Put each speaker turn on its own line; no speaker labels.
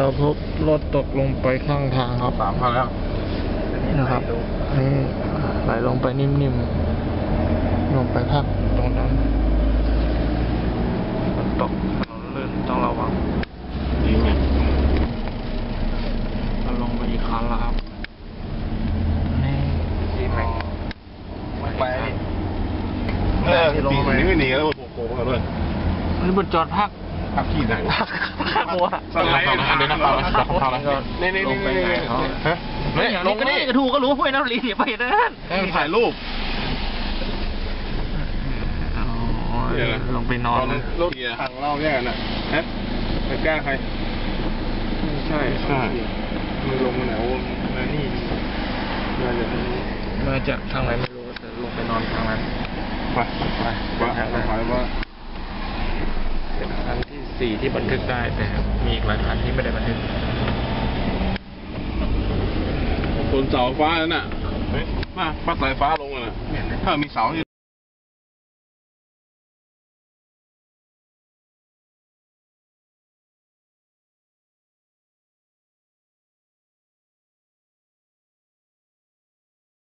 เราพบรถตกลงไปข้างทางครับ
3,000แล้ว
นะครับนี่ไหลลงไปนิ่มๆลงไปพักตรงนั้นฝนตกถนนลื่นต้องระวัง
ดีไหม
เราลงไปอีกครั้งแล้วครับนี่ซีแม็ก
ไปปีนี้ไม่หนีแล้วโกงกันด้วย
นี่บนจอดพัก
ที่ไหนวะ
พักวะ
สไลด์นะเดี๋ยวนะฟังนะนี่
ลงไปไหนเขา
เนี่ยลงกันนี่
กระทูก็รู้ห้วยน้ำลีไปนั่น
ถ่ายรูป
ลงไปนอน
รถถังเราแย่น่ะฮะไปแก้ใคร
ใช่
มือลงมาไหนโอ้มานี่
มาจากทางไหนไม่รู้แต่ลงไปนอนทางนั้น
ไปว่า
เป็นครั้งที่4ที่บันทึกได้แต่มีอีกหลายครั้งที่ไม่ได้บันทึก
บนเสาฟ้านั่นน่ะมาปัดสายฟ้าลงน่ะถ้ามีเสา